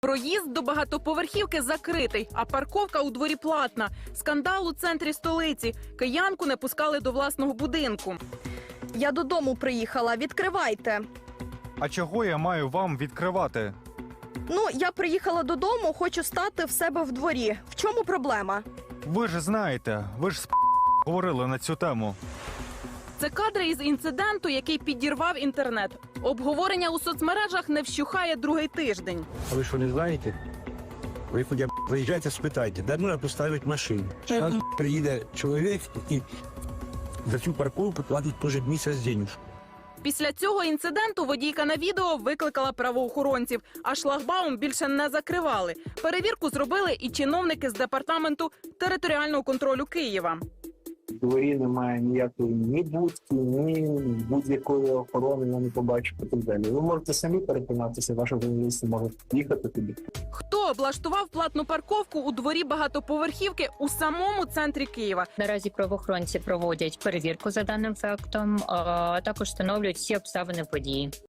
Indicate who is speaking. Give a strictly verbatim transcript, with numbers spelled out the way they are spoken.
Speaker 1: Проїзд до багатоповерхівки закритий, а парковка у дворі платна. Скандал у центрі столиці. Киянку не пускали до власного будинку.
Speaker 2: Я додому приїхала, відкривайте.
Speaker 3: А чого я маю вам відкривати?
Speaker 2: Ну, я приїхала додому, хочу стати в себе в дворі. В чому проблема?
Speaker 3: Ви ж знаєте, ви ж з говорили на цю тему.
Speaker 1: Це кадри із інциденту, який підірвав інтернет. Обговорення у соцмережах не вщухає другий тиждень.
Speaker 4: А ви що, не знаєте? Ви хоча б приїжджайте, спитайте, де можна поставити машину. Зараз приїде чоловік і за цю парковку платить кожен місяць денежку.
Speaker 1: Після цього інциденту водійка на відео викликала правоохоронців, а шлагбаум більше не закривали. Перевірку зробили і чиновники з департаменту територіального контролю Києва.
Speaker 5: В дворі немає ніякої ні будки, ні будь-якої охорони, я не побачу і так далі. Ви можете самі переконатися, ваші журналісти можуть їхати туди.
Speaker 1: Хто облаштував платну парковку у дворі багатоповерхівки у самому центрі Києва?
Speaker 6: Наразі правоохоронці проводять перевірку за даним фактом, а також встановлюють всі обставини події.